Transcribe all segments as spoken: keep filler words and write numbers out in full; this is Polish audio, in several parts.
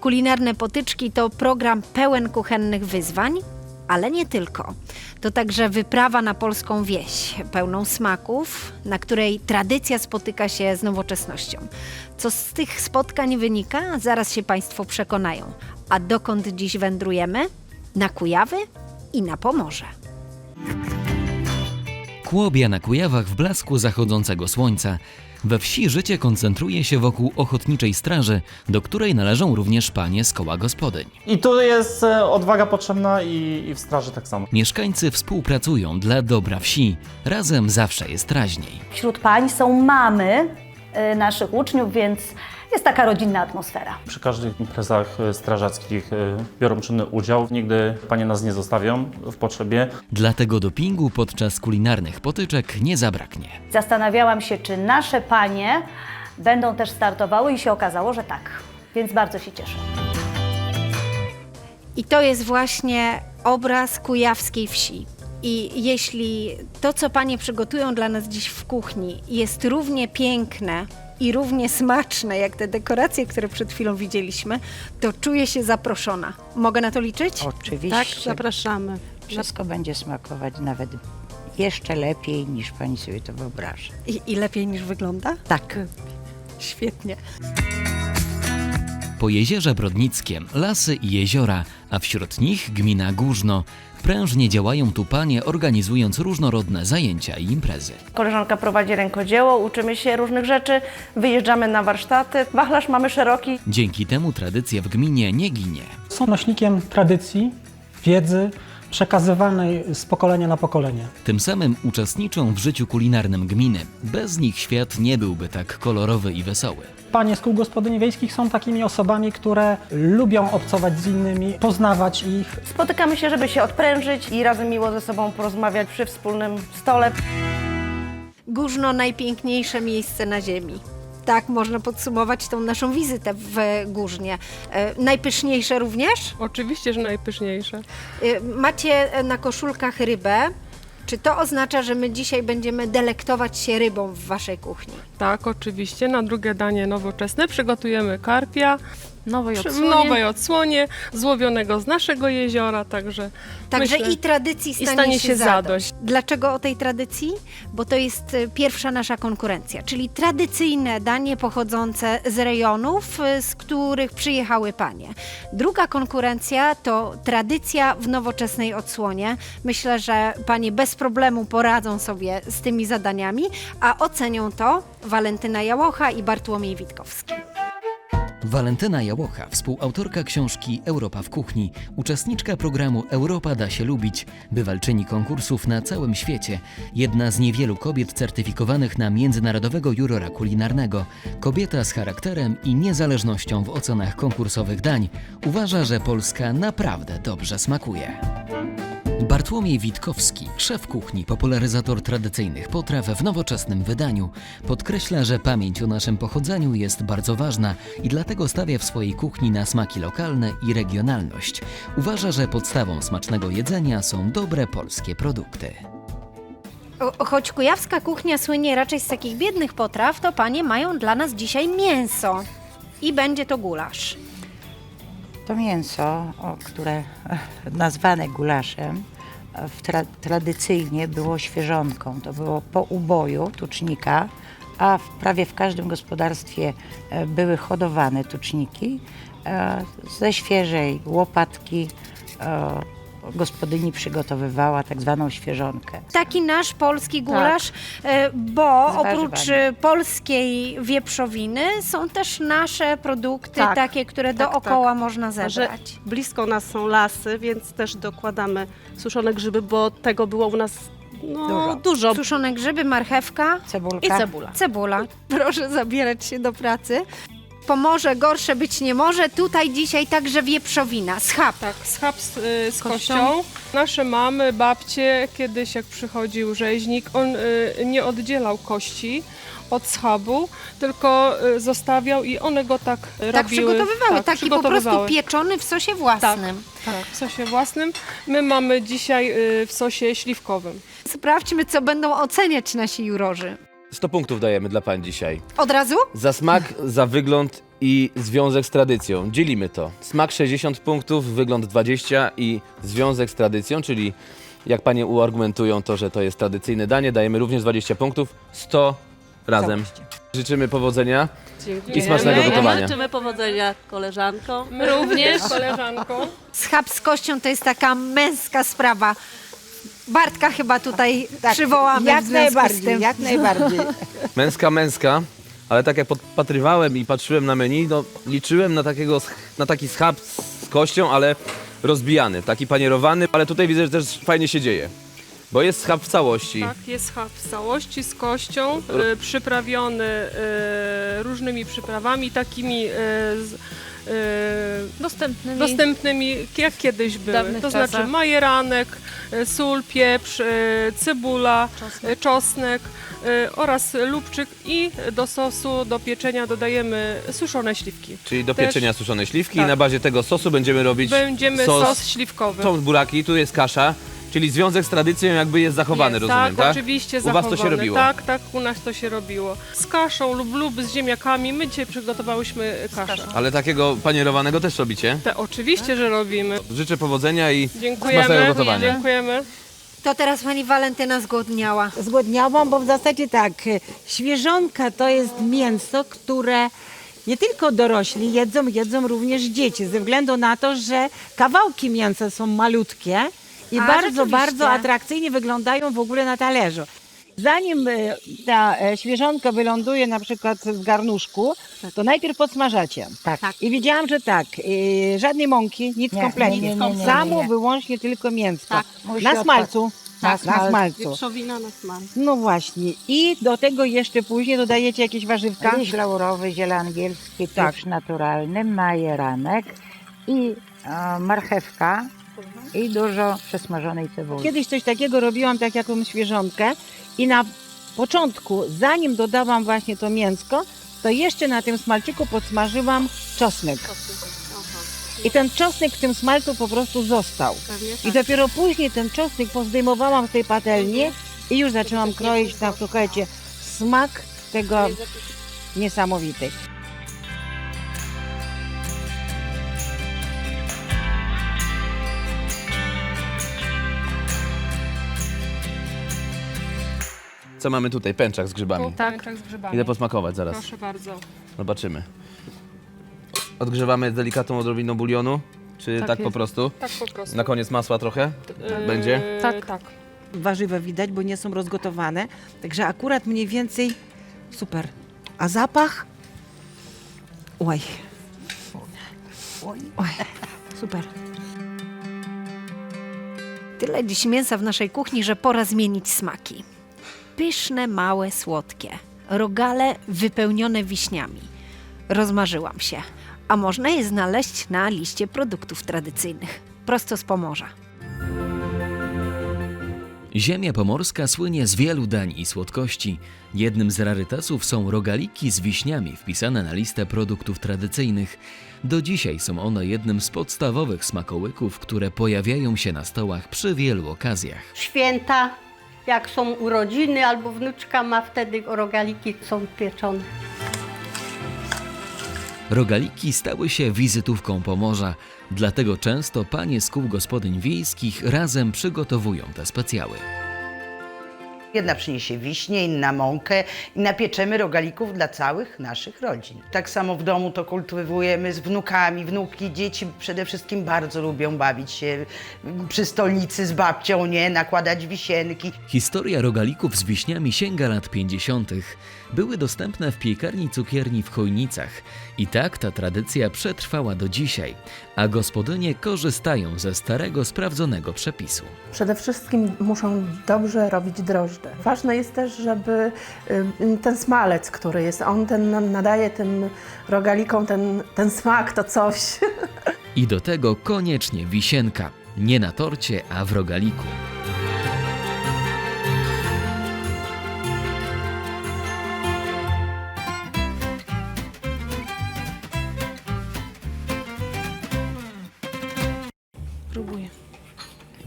Kulinarne Potyczki to program pełen kuchennych wyzwań, ale nie tylko. To także wyprawa na polską wieś, pełną smaków, na której tradycja spotyka się z nowoczesnością. Co z tych spotkań wynika, zaraz się Państwo przekonają. A dokąd dziś wędrujemy? Na Kujawy i na Pomorze. Kłobia na Kujawach w blasku zachodzącego słońca. We wsi życie koncentruje się wokół ochotniczej straży, do której należą również panie z koła gospodyń. I tu jest e, odwaga potrzebna i, i w straży tak samo. Mieszkańcy współpracują dla dobra wsi. Razem zawsze jest raźniej. Wśród pań są mamy y, naszych uczniów, więc jest taka rodzinna atmosfera. Przy każdych imprezach e, strażackich e, biorą czynny udział. Nigdy panie nas nie zostawią w potrzebie. Dlatego dopingu podczas kulinarnych potyczek nie zabraknie. Zastanawiałam się, czy nasze panie będą też startowały i się okazało, że tak. Więc bardzo się cieszę. I to jest właśnie obraz kujawskiej wsi. I jeśli to, co panie przygotują dla nas dziś w kuchni, jest równie piękne i równie smaczne, jak te dekoracje, które przed chwilą widzieliśmy, to czuję się zaproszona. Mogę na to liczyć? Oczywiście. Tak, zapraszamy. Wszystko będzie smakować nawet jeszcze lepiej, niż pani sobie to wyobraża. I, I lepiej niż wygląda? Tak. Świetnie. Po jeziorze Brodnickiem lasy i jeziora, a wśród nich gmina Górzno. Prężnie działają tu panie, organizując różnorodne zajęcia i imprezy. Koleżanka prowadzi rękodzieło, uczymy się różnych rzeczy, wyjeżdżamy na warsztaty. Wachlarz mamy szeroki. Dzięki temu tradycja w gminie nie ginie. Są nośnikiem tradycji, wiedzy przekazywanej z pokolenia na pokolenie. Tym samym uczestniczą w życiu kulinarnym gminy. Bez nich świat nie byłby tak kolorowy i wesoły. Panie z kół gospodyń wiejskich są takimi osobami, które lubią obcować z innymi, poznawać ich. Spotykamy się, żeby się odprężyć i razem miło ze sobą porozmawiać przy wspólnym stole. Górzno najpiękniejsze miejsce na ziemi. Tak można podsumować tą naszą wizytę w Górznie. E, najpyszniejsze również? Oczywiście, że najpyszniejsze. E, macie na koszulkach rybę. Czy to oznacza, że my dzisiaj będziemy delektować się rybą w waszej kuchni? Tak, oczywiście. Na drugie danie nowoczesne przygotujemy karpia Nowej przy- w odsłonie. nowej odsłonie, złowionego z naszego jeziora, także Także myślę, i tradycji stanie, i stanie się zadość. zadość. Dlaczego o tej tradycji? Bo to jest e, pierwsza nasza konkurencja, czyli tradycyjne danie pochodzące z rejonów, e, z których przyjechały panie. Druga konkurencja to tradycja w nowoczesnej odsłonie. Myślę, że panie bez problemu poradzą sobie z tymi zadaniami, a ocenią to Walentyna Jałocha i Bartłomiej Witkowski. Walentyna Jałocha, współautorka książki Europa w kuchni, uczestniczka programu Europa da się lubić, bywalczyni konkursów na całym świecie, jedna z niewielu kobiet certyfikowanych na międzynarodowego jurora kulinarnego, kobieta z charakterem i niezależnością w ocenach konkursowych dań, uważa, że Polska naprawdę dobrze smakuje. Bartłomiej Witkowski, szef kuchni, popularyzator tradycyjnych potraw w nowoczesnym wydaniu, podkreśla, że pamięć o naszym pochodzeniu jest bardzo ważna i dlatego stawia w swojej kuchni na smaki lokalne i regionalność. Uważa, że podstawą smacznego jedzenia są dobre polskie produkty. O, choć kujawska kuchnia słynie raczej z takich biednych potraw, to panie mają dla nas dzisiaj mięso. I będzie to gulasz. To mięso, o, które e, nazwane gulaszem, e, w tra tradycyjnie było świeżonką. To było po uboju tucznika, a w, prawie w każdym gospodarstwie e, były hodowane tuczniki e, ze świeżej łopatki. E, gospodyni przygotowywała tak zwaną świeżonkę. Taki nasz polski gulasz, e, bo Z oprócz warzywami. e, polskiej wieprzowiny są też nasze produkty, Tak, takie, które tak, dookoła tak. można Że zebrać. blisko nas są lasy, więc też dokładamy suszone grzyby, bo tego było u nas no, Dużo. dużo. Suszone grzyby, marchewka Cebulka. I cebula. cebula. Proszę zabierać się do pracy. Pomorze gorsze być nie może, tutaj dzisiaj także wieprzowina, schab. Tak, schab z, y, z kością. Nasze mamy, babcie, kiedyś jak przychodził rzeźnik, on y, nie oddzielał kości od schabu, tylko y, zostawiał i one go tak, Tak robiły. przygotowywały, tak, taki po prostu przygotowywały. pieczony w sosie własnym. Tak, w sosie własnym. My mamy dzisiaj y, w sosie śliwkowym. Sprawdźmy, co będą oceniać nasi jurorzy. sto punktów dajemy dla pań dzisiaj. Od razu? Za smak, za wygląd i związek z tradycją. Dzielimy to. Smak sześćdziesiąt punktów, wygląd dwadzieścia i związek z tradycją, czyli jak panie uargumentują to, że to jest tradycyjne danie, dajemy również dwadzieścia punktów, sto razem. Życzymy powodzenia i smacznego gotowania. Życzymy powodzenia koleżankom. My również, koleżanko. Schab z kością to jest taka męska sprawa. Bartka chyba tutaj przywołamy jak w związku z najbardziej, tym. jak najbardziej. Męska, męska, ale tak jak podpatrywałem i patrzyłem na menu, no liczyłem na, takiego, sch- na taki schab z kością, ale rozbijany, taki panierowany, ale tutaj widzę, że też fajnie się dzieje, bo jest schab w całości. Tak, jest schab w całości z kością, y, przyprawiony y, różnymi przyprawami, takimi y, z, y, Dostępnymi. dostępnymi jak kiedyś były. dawnych To czasach. znaczy majeranek, y, sól, pieprz, y, cebula, Czosnek. y, czosnek y, oraz lubczyk i do sosu, do pieczenia dodajemy suszone śliwki. Czyli do Też- pieczenia suszone śliwki tak. i na bazie tego sosu będziemy robić Będziemy sos. sos, śliwkowy. Są buraki, tu jest kasza, czyli związek z tradycją jakby jest zachowany, Jest, rozumiem, tak? oczywiście U was zachowany. to się robiło? Tak, tak, u nas to się robiło. Z kaszą lub lub z ziemniakami. My dzisiaj przygotowałyśmy kaszę. Ale takiego panierowanego też robicie? Te oczywiście, że robimy. Życzę powodzenia i smacznego Dziękujemy. gotowania. Dziękujemy. To teraz pani Walentyna zgłodniała. Zgłodniałam, bo w zasadzie tak, świeżonka to jest mięso, które nie tylko dorośli jedzą, jedzą również dzieci, ze względu na to, że kawałki mięsa są malutkie i A, bardzo, rzeczywiście. bardzo atrakcyjnie wyglądają w ogóle na talerzu. Zanim e, ta e, świeżonka wyląduje na przykład w garnuszku, to najpierw podsmażacie. Tak. I wiedziałam, że tak, e, żadnej mąki, nic Nie, kompletnie, nie, nie, nie, nie, samo nie, nie. wyłącznie tylko mięsko. Tak. Musi Na odpa- smalcu. Tak, na smalc. smalcu. Wieprzowina na smak. No właśnie. I do tego jeszcze później dodajecie jakieś warzywka? Liść laurowy, ziele angielskie, Tak. pieprz naturalny, majeranek i e, marchewka i dużo przesmażonej cebuli. Kiedyś coś takiego robiłam, tak jakąś świeżonkę i na początku, zanim dodałam właśnie to mięsko, to jeszcze na tym smalczyku podsmażyłam czosnek. I ten czosnek w tym smalcu po prostu został. I dopiero później ten czosnek pozdejmowałam z tej patelni i już zaczęłam kroić, tam słuchajcie, smak tego niesamowity. Co mamy tutaj? Pęczak z grzybami. Tak, tak z grzybami. Idę posmakować zaraz. Proszę bardzo. Zobaczymy. Odgrzewamy z delikatną odrobiną bulionu, czy tak, Tak po jest. prostu? Tak po prostu. Na koniec masła trochę? Yy, Będzie? Tak, tak. Warzywa widać, bo nie są rozgotowane, także akurat mniej więcej super. A zapach? Oj. Oj, super. Tyle dziś mięsa w naszej kuchni, że pora zmienić smaki. Pyszne, małe, słodkie. Rogale wypełnione wiśniami. Rozmarzyłam się. A można je znaleźć na liście produktów tradycyjnych. Prosto z Pomorza. Ziemia pomorska słynie z wielu dań i słodkości. Jednym z rarytasów są rogaliki z wiśniami wpisane na listę produktów tradycyjnych. Do dzisiaj są one jednym z podstawowych smakołyków, które pojawiają się na stołach przy wielu okazjach. Święta, jak są urodziny albo wnuczka ma, wtedy rogaliki są pieczone. Rogaliki stały się wizytówką Pomorza, dlatego często panie z kół gospodyń wiejskich razem przygotowują te specjały. Jedna przyniesie wiśnie, inna mąkę i napieczemy rogalików dla całych naszych rodzin. Tak samo w domu to kultywujemy z wnukami. Wnuki, dzieci przede wszystkim bardzo lubią bawić się przy stolnicy z babcią, nie? Nakładać wisienki. Historia rogalików z wiśniami sięga lat pięćdziesiątych. Były dostępne w piekarni cukierni w Chojnicach i tak ta tradycja przetrwała do dzisiaj, a gospodynie korzystają ze starego, sprawdzonego przepisu. Przede wszystkim muszą dobrze robić drożdże. Ważne jest też, żeby y, ten smalec, który jest, on ten nadaje tym rogalikom ten, ten smak, to coś. I do tego koniecznie wisienka. Nie na torcie, a w rogaliku. Próbuję.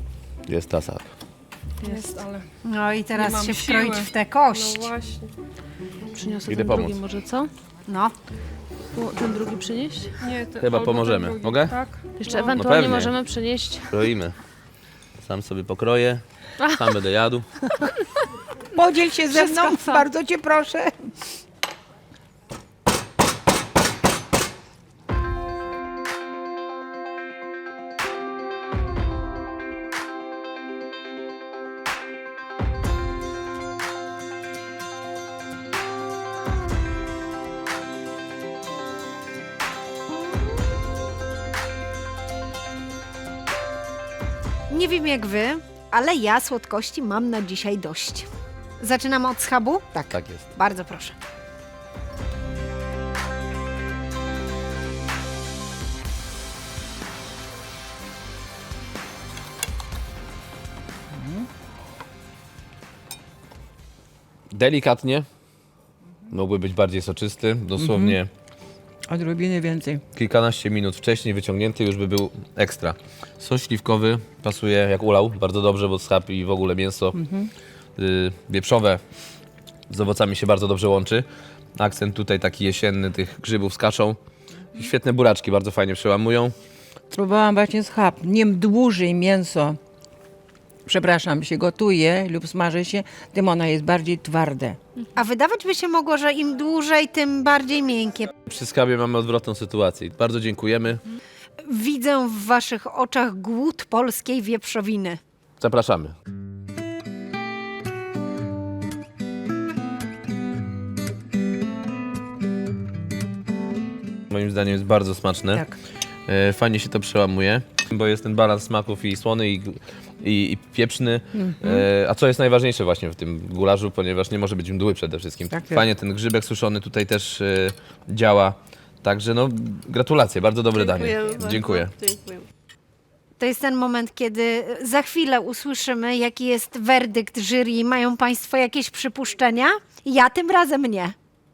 Jest tasa. Jest, ale No i nie teraz mam się siły. wkroić w tę kość. No właśnie. Przyniosę Idę ten pomóc. drugi może, co? No. O, ten drugi przynieść? Nie, te, Chyba albo pomożemy. ten drugi, Mogę? Tak. Jeszcze No. ewentualnie pewnie. możemy przynieść... Kroimy. Sam sobie pokroję, sam będę jadł. Podziel się ze mną, Wszystko sam. bardzo cię proszę. Nie wiem jak wy, ale ja słodkości mam na dzisiaj dość. Zaczynamy od schabu? Tak. Tak jest. Bardzo proszę. Delikatnie. Mógłby być bardziej soczysty. Dosłownie Odrobinę więcej. kilkanaście minut wcześniej wyciągnięty już by był ekstra. Sos śliwkowy pasuje jak ulał, bardzo dobrze, bo schab i w ogóle mięso y, wieprzowe z owocami się bardzo dobrze łączy. Akcent tutaj taki jesienny tych grzybów z kaszą. Świetne buraczki, bardzo fajnie przełamują. Próbowałam właśnie schab. Im dłużej mięso, przepraszam, się gotuje lub smaży się, tym ono jest bardziej twarde. A wydawać by się mogło, że im dłużej, tym bardziej miękkie. Przy schabie mamy odwrotną sytuację. Bardzo dziękujemy. Widzę w waszych oczach głód polskiej wieprzowiny. Zapraszamy. Moim zdaniem jest bardzo smaczne. Tak. E, Fajnie się to przełamuje, bo jest ten balans smaków i słony, i, i, i pieprzny. E, a co jest najważniejsze właśnie w tym gularzu, ponieważ nie może być mdły przede wszystkim. Tak jest. Fajnie ten grzybek suszony tutaj też e, działa. Także no, gratulacje, bardzo dobre danie. bardzo. Dziękuję. Dziękuję. To jest ten moment, kiedy za chwilę usłyszymy, jaki jest werdykt jury. Mają państwo jakieś przypuszczenia? Ja tym razem nie.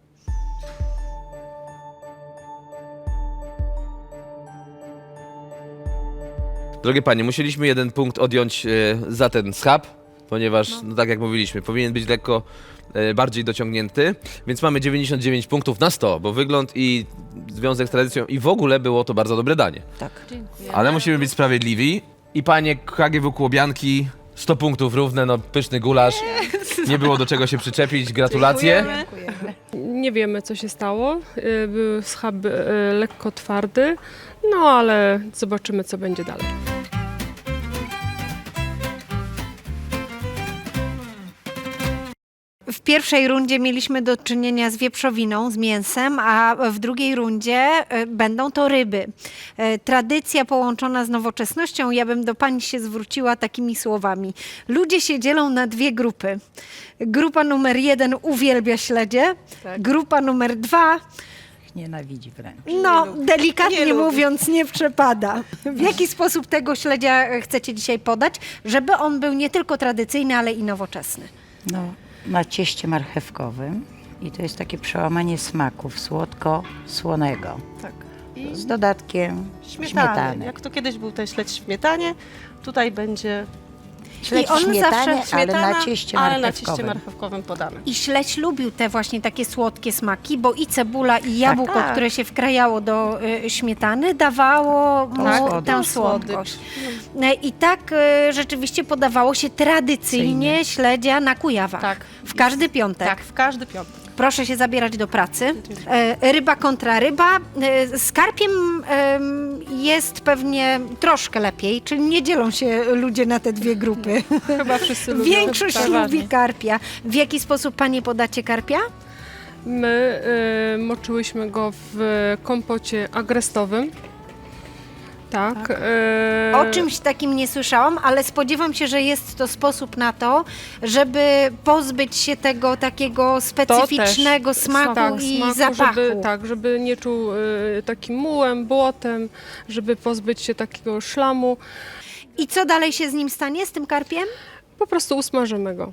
Drogie panie, musieliśmy jeden punkt odjąć e, za ten schab, ponieważ, no. tak jak mówiliśmy, powinien być lekko e, bardziej dociągnięty, więc mamy dziewięćdziesiąt dziewięć punktów na sto, bo wygląd i związek z tradycją i w ogóle było to bardzo dobre danie. Tak. Dziękuję. Ale musimy być sprawiedliwi i panie K G W Kłobianki, sto punktów równe, no pyszny gulasz, nie było do czego się przyczepić, gratulacje. Nie wiemy, co się stało. Y, Był schab y, lekko twardy, no ale zobaczymy, co będzie dalej. W pierwszej rundzie mieliśmy do czynienia z wieprzowiną, z mięsem, a w drugiej rundzie e, będą to ryby. E, Tradycja połączona z nowoczesnością, ja bym do pani się zwróciła takimi słowami. Ludzie się dzielą na dwie grupy. Grupa numer jeden uwielbia śledzie, grupa numer dwa, Nienawidzi wręcz. no delikatnie Nie lubi. mówiąc, nie przepada. W jaki sposób tego śledzia chcecie dzisiaj podać, żeby on był nie tylko tradycyjny, ale i nowoczesny? No, na cieście marchewkowym i to jest takie przełamanie smaków słodko-słonego. Tak. Z dodatkiem Śmietany. śmietany. Jak to kiedyś był ten śledź w śmietanie, tutaj będzie Śledź I on w śmietanie, zawsze ale na śmietana, cieście ale na marchewkowym. cieście marchewkowym podane. I śledź lubił te właśnie takie słodkie smaki, bo i cebula, i jabłko, tak. które się wkrajało do y, śmietany, dawało mu słodycz. tę Tą słodkość. Y, I tak y, rzeczywiście podawało się tradycyjnie Tradycyjnie. śledzia na Kujawach. Tak. W każdy piątek. Tak, w każdy piątek. Proszę się zabierać do pracy. E, ryba kontra ryba. E, z karpiem em, jest pewnie troszkę lepiej, czyli nie dzielą się ludzie na te dwie grupy. Chyba wszyscy lubią. Większość Tak. lubi karpia. W jaki sposób panie podacie karpia? My y, moczyłyśmy go w kompocie agrestowym. Tak. y, O czymś takim nie słyszałam, ale spodziewam się, że jest to sposób na to, żeby pozbyć się tego takiego to specyficznego też. smaku tak, i smaku, zapachu. Żeby, tak, żeby nie czuł y, takim mułem, błotem, żeby pozbyć się takiego szlamu. I co dalej się z nim stanie, z tym karpiem? Po prostu usmażymy go.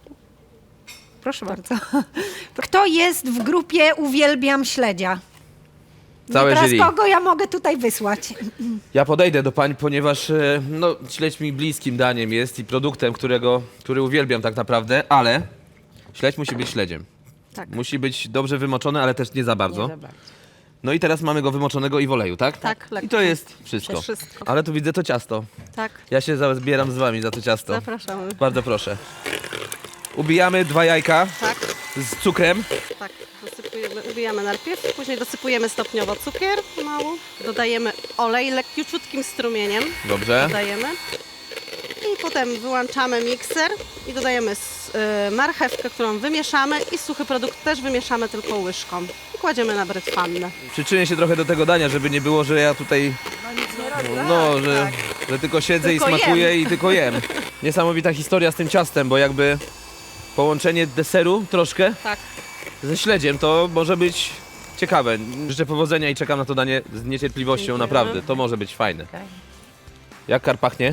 Proszę bardzo. Kto jest w grupie Uwielbiam śledzia? Całe I teraz jury. kogo ja mogę tutaj wysłać? Ja podejdę do pań, ponieważ e, no, śledź mi bliskim daniem jest i produktem, którego, który uwielbiam tak naprawdę, ale śledź musi być śledziem. Tak. Musi być dobrze wymoczone, ale też nie za bardzo. Nie za bardzo. No i teraz mamy go wymoczonego i w oleju, tak? Tak, lekko. I to jest wszystko. Wszystko. Ale tu widzę to ciasto. Tak, Ja się zabieram z wami za to ciasto. zapraszamy. Bardzo proszę. Ubijamy dwa jajka Tak, z cukrem. tak. Dosypujemy, ubijamy najpierw, później dosypujemy stopniowo cukier mało, dodajemy olej lekciutkim strumieniem. Dobrze. Dodajemy. I potem wyłączamy mikser i dodajemy s- y, marchewkę, którą wymieszamy i suchy produkt też wymieszamy tylko łyżką. I kładziemy na brytwannę. Przyczynię się trochę do tego dania, żeby nie było, że ja tutaj no, że, że tylko siedzę Tylko i smakuję jem. i tylko jem. Niesamowita historia z tym ciastem, bo jakby połączenie deseru troszkę Tak. ze śledziem to może być ciekawe. Życzę powodzenia i czekam na to danie z niecierpliwością, Dziękujemy. naprawdę. To może być fajne. Tak. Jak kar pachnie?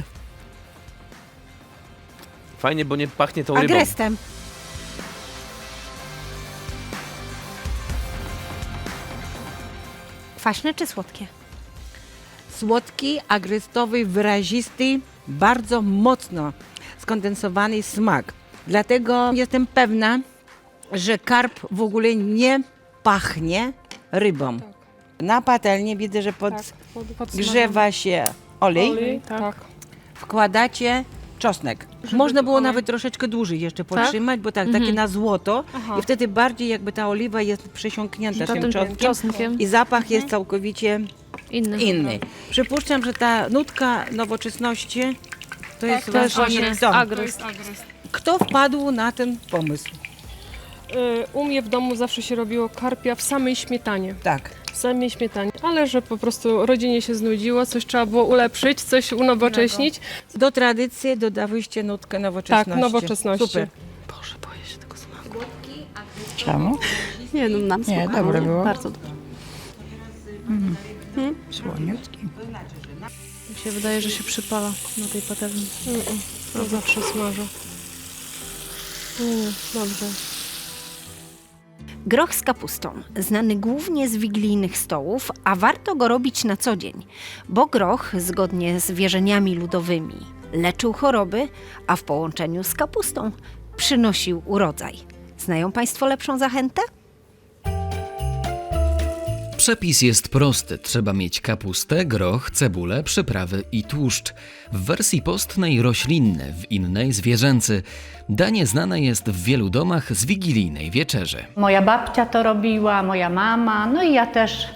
Fajnie, bo nie pachnie tą rybą. Agrestem. Kwaśne czy słodkie? Słodki, agrestowy, wyrazisty, bardzo mocno skondensowany smak. Dlatego jestem pewna, że karp w ogóle nie pachnie rybą. Na patelni widzę, że Tak, pod, pod, grzewa się olej. olej. Tak. Wkładacie czosnek. Można było nawet troszeczkę dłużej jeszcze potrzymać, bo tak, takie na złoto Aha. i wtedy bardziej jakby ta oliwa jest przesiąknięta Za tym tym czosnkiem czosnkiem. i zapach jest całkowicie Inny. inny. Przypuszczam, że ta nutka nowoczesności to jest To jest właśnie właśnie to. agres. Kto wpadł na ten pomysł? Y, U mnie w domu zawsze się robiło karpia w samej śmietanie. Tak. W samej śmietanie. Ale że po prostu rodzinie się znudziło, coś trzeba było ulepszyć, coś unowocześnić. Do tradycji dodałyście nutkę nowoczesności. Tak, nowoczesności. Super. Boże, boję się tego smaku. Czemu? Nie, no nam Nie, smakowało. dobre było. Bardzo dobre. Słoniutki. Mi się wydaje, że się przypala na tej patelni. To zawsze smażę. Mm, dobrze. Groch z kapustą, znany głównie z wigilijnych stołów, a warto go robić na co dzień, bo groch, zgodnie z wierzeniami ludowymi, leczył choroby, a w połączeniu z kapustą przynosił urodzaj. Znają Państwo lepszą zachętę? Przepis jest prosty. Trzeba mieć kapustę, groch, cebulę, przyprawy i tłuszcz. W wersji postnej roślinne, w innej zwierzęcy. Danie znane jest w wielu domach z wigilijnej wieczerzy. Moja babcia to robiła, moja mama, no i ja też.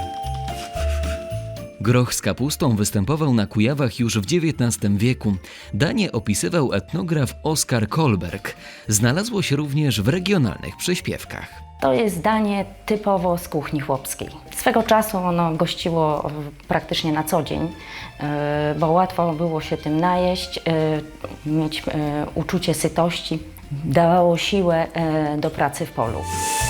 Groch z kapustą występował na Kujawach już w dziewiętnastym wieku. Danie opisywał etnograf Oskar Kolberg. Znalazło się również w regionalnych przyśpiewkach. To jest danie typowo z kuchni chłopskiej. Swego czasu ono gościło praktycznie na co dzień, e, bo łatwo było się tym najeść, e, mieć e, uczucie sytości, dawało siłę e, do pracy w polu.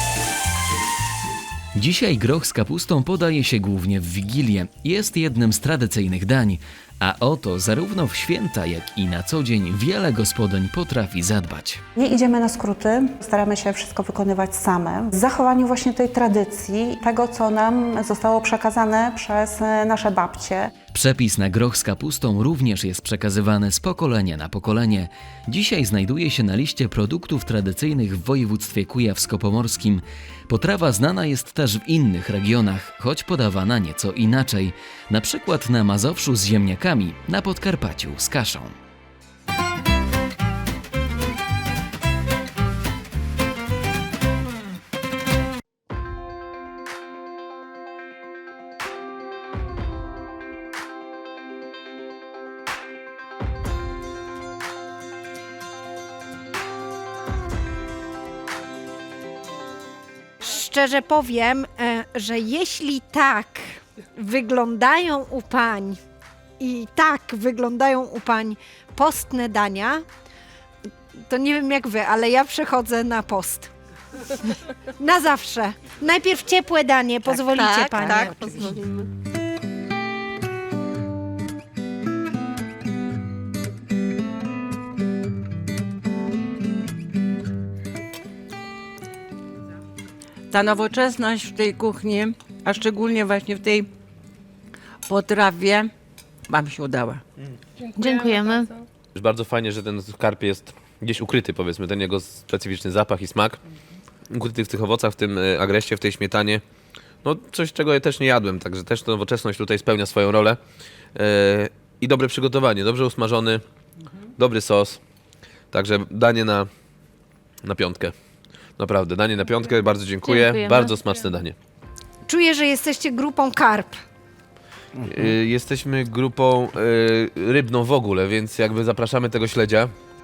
Dzisiaj groch z kapustą podaje się głównie w Wigilię. Jest jednym z tradycyjnych dań, a o to zarówno w święta, jak i na co dzień wiele gospodyń potrafi zadbać. Nie idziemy na skróty, staramy się wszystko wykonywać same. W zachowaniu właśnie tej tradycji, tego co nam zostało przekazane przez nasze babcie. Przepis na groch z kapustą również jest przekazywany z pokolenia na pokolenie. Dzisiaj znajduje się na liście produktów tradycyjnych w województwie kujawsko-pomorskim. Potrawa znana jest też w innych regionach, choć podawana nieco inaczej. Na przykład na Mazowszu z ziemniakami, na Podkarpaciu z kaszą. Szczerze powiem, e, że jeśli tak wyglądają u pań i tak wyglądają u pań postne dania, to nie wiem jak wy, ale ja przechodzę na post. Na zawsze. Najpierw ciepłe danie, pozwolicie tak, panie. tak, pozwolimy. Ta nowoczesność w tej kuchni, a szczególnie właśnie w tej potrawie, wam się udała. Dziękujemy. Bardzo fajnie, że ten karp jest gdzieś ukryty, powiedzmy, ten jego specyficzny zapach i smak. ukrytych w tych owocach, w tym y, agreście, w tej śmietanie. No coś, czego ja też nie jadłem, także też ta nowoczesność tutaj spełnia swoją rolę. Y, I dobre przygotowanie, dobrze usmażony, dobry sos. Także danie na, na piątkę. Naprawdę, danie na piątkę, bardzo dziękuję. Dziękujemy. Bardzo smaczne danie. Czuję, że jesteście grupą karp. Y, jesteśmy grupą y, rybną w ogóle, więc jakby zapraszamy tego śledzia.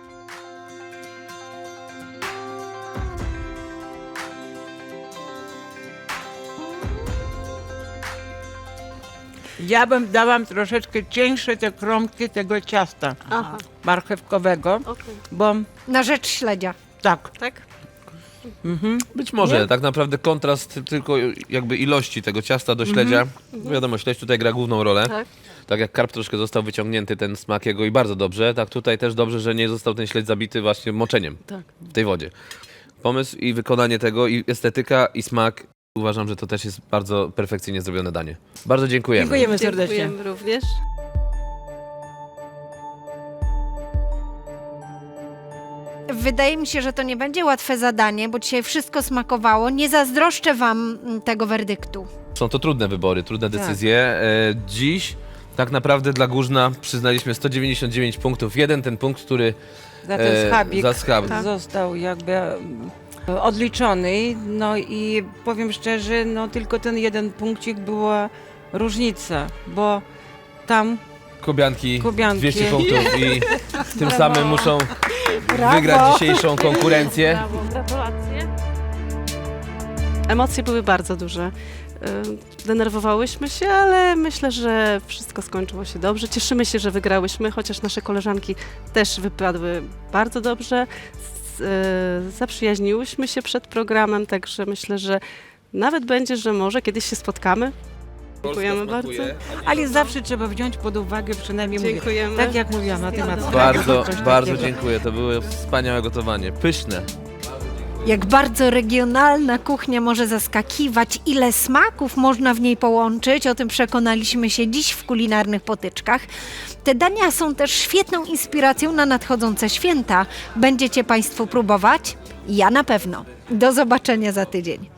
Ja bym dałam troszeczkę cieńsze te kromki tego ciasta Aha. marchewkowego, Okej. bo Na rzecz śledzia. tak. Tak? Mhm. Być może, Nie? tak naprawdę kontrast tylko jakby ilości tego ciasta do śledzia. Wiadomo, śledź tutaj gra główną rolę. Tak. Tak jak karp troszkę został wyciągnięty ten smak jego i bardzo dobrze, tak tutaj też dobrze, że nie został ten śledź zabity właśnie moczeniem Tak. w tej wodzie. Pomysł i wykonanie tego, i estetyka, i smak, uważam, że to też jest bardzo perfekcyjnie zrobione danie. Bardzo dziękujemy. Dziękujemy serdecznie. Dziękujemy również. Wydaje mi się, że to nie będzie łatwe zadanie, bo dzisiaj wszystko smakowało. Nie zazdroszczę wam mm, tego werdyktu. Są to trudne wybory, trudne Tak. decyzje. E, dziś tak naprawdę dla Górzna przyznaliśmy sto dziewięćdziesiąt dziewięć punktów. Jeden ten punkt, który Za ten e, schabik za schab. został jakby mm, odliczony, no i powiem szczerze, no tylko ten jeden punkcik była różnica, bo tam Kubianki, Kubianki. dwieście punktów i tym Brawo. samym muszą Brawo. wygrać dzisiejszą konkurencję. Brawo, gratulacje. Emocje były bardzo duże. Y, Denerwowałyśmy się, ale myślę, że wszystko skończyło się dobrze. Cieszymy się, że wygrałyśmy, chociaż nasze koleżanki też wypadły bardzo dobrze. Z, y, zaprzyjaźniłyśmy się przed programem, także myślę, że nawet będzie, że może kiedyś się spotkamy. Dziękujemy bardzo. Ale zawsze trzeba wziąć pod uwagę, przynajmniej mówię, Dziękujemy. tak jak mówiłam na temat Bardzo, coś bardzo takiego. dziękuję. To było wspaniałe gotowanie. Pyszne. Jak bardzo regionalna kuchnia może zaskakiwać, ile smaków można w niej połączyć, o tym przekonaliśmy się dziś w kulinarnych potyczkach. Te dania są też świetną inspiracją na nadchodzące święta. Będziecie Państwo próbować? Ja na pewno. Do zobaczenia za tydzień.